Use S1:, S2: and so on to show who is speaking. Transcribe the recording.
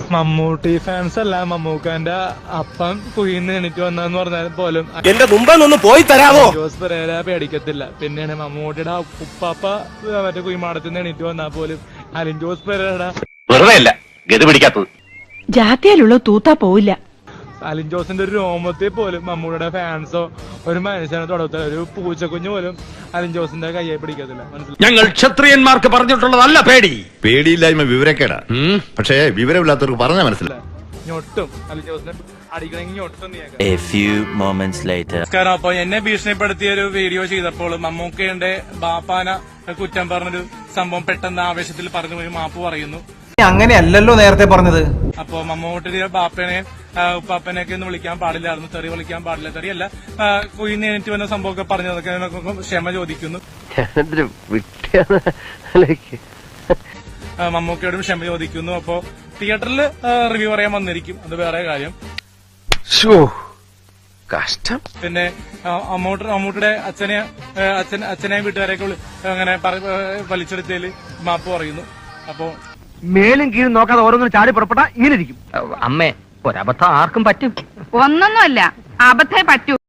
S1: Mammootty fans അല്ല, മമ്മൂക്കാന്റെ അപ്പം കുയിന്ന് എണീറ്റ് വന്നെന്ന് പറഞ്ഞാൽ പോലും
S2: എന്റെ മുമ്പൊന്ന് പോയി തരാമോ?
S1: ജോസ് പെരേര പേടിക്കത്തില്ല. പിന്നെയാണ് മമ്മൂട്ടിയുടെ ഉപ്പാപ്പ മറ്റേ കുയിമാടത്തിൽ നിന്ന് എണീറ്റ് വന്നാൽ പോലും അലിൻ ജോസ് പെരേര
S3: വെറുതെ അല്ല ഗതി പിടിക്കാത്തത്.
S4: ജാത്തിയാലുള്ള തൂത്താ പോവില്ല.
S1: അലിൻ ജോസിന്റെ ഒരു രോമത്തിൽ പോലും മമ്മൂട്ടിയുടെ ഫാൻസോ ഒരു മനുഷ്യനെ തൊടത്തില്ല. ഒരു പൂച്ചക്കുഞ്ഞു പോലും അലിൻ ജോസിന്റെ കയ്യെ പിടിക്കത്തില്ല. മനസ്സിലായി?
S2: ഞങ്ങൾ ക്ഷത്രിയന്മാർക്ക് പറഞ്ഞിട്ടുള്ളതല്ല പേടി.
S5: പേടിയില്ലായ്മ വിവരക്കേടാ. പക്ഷേ വിവരമില്ലാത്തവർക്ക് പറഞ്ഞാൽ മനസ്സിലായി.
S1: ഞൊട്ടും അലിൻ ജോസിനെ അടിക്കണമെങ്കിൽ ഞൊട്ടും നീ
S6: A few moments later.
S1: നമസ്കാരം. അപ്പൊ എന്നെ ഭീഷണിപ്പെടുത്തിയ ഒരു വീഡിയോ ചെയ്തപ്പോൾ മമ്മൂക്കയുടെ ബാപ്പാന കുറ്റം പറഞ്ഞൊരു സംഭവം പെട്ടെന്ന് ആവേശത്തിൽ പറഞ്ഞു പോയി മാപ്പ് പറയുന്നു.
S7: അങ്ങനെയല്ലല്ലോ നേരത്തെ പറഞ്ഞത്.
S1: അപ്പൊ മമ്മൂട്ടിയുടെ ബാപ്പനെ ഉപ്പാപ്പനെയൊക്കെ ഒന്ന് വിളിക്കാൻ പാടില്ലായിരുന്നു, തെറി വിളിക്കാൻ പാടില്ല, തെറിയല്ല കുയിന്ന് എണീറ്റ് വന്ന സംഭവമൊക്കെ പറഞ്ഞതൊക്കെ ക്ഷമ ചോദിക്കുന്നു. മമ്മൂക്കയോടും ക്ഷമ ചോദിക്കുന്നു. അപ്പോ തിയേറ്ററിൽ റിവ്യൂ പറയാൻ വന്നിരിക്കും, അത് വേറെ കാര്യം.
S2: കഷ്ടം.
S1: പിന്നെ മമ്മൂട്ടിയുടെ അച്ഛനെയും വീട്ടുകാരെയൊക്കെ അങ്ങനെ വലിച്ചെടുത്തതിൽ മാപ്പ് പറയുന്നു. അപ്പോ
S7: മേലും കീഴും നോക്കാതെ ഓരോന്നും ചാടി പുറപ്പെട്ടാ ഇങ്ങനെ ഇരിക്കും.
S8: അമ്മേ, ഒരബദ്ധം ആർക്കും പറ്റും.
S4: ഒന്നൊന്നുമല്ല, അബദ്ധേ പറ്റൂ.